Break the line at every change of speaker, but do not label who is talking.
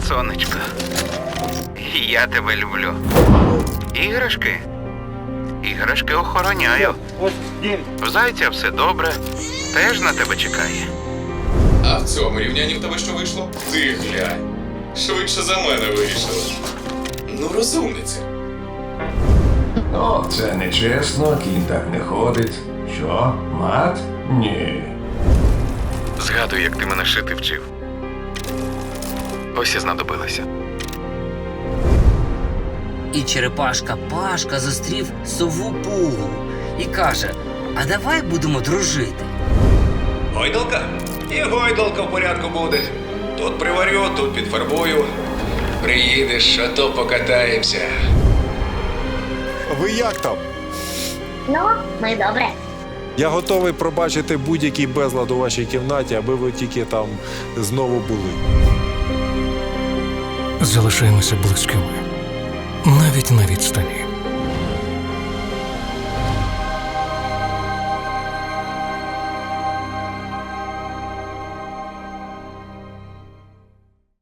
сонечко. Я тебе люблю. Іграшки? Іграшки охороняю. В зайця все добре. Теж на тебе чекає.
А в цьому рівнянні в тебе що вийшло? Ти глянь. Швидше за мене вирішила. Ну, розумниця.
О, це нечесно, кінь так не ходить. Що, мат? Ні.
Згадуй, як ти мене шити вчив. Ось і знадобилося.
І черепашка Пашка зустрів сову Пугу і каже: а давай будемо дружити.
Гойдалка? І гойдалка в порядку буде. Тут приварю, тут підфарбую. Приїдеш, а то покатаємося.
Ви як там?
Ну, ми добре.
Я готовий пробачити будь-який безлад у вашій кімнаті, аби ви тільки там знову були.
Залишаємося близькими. Навіть на відстані.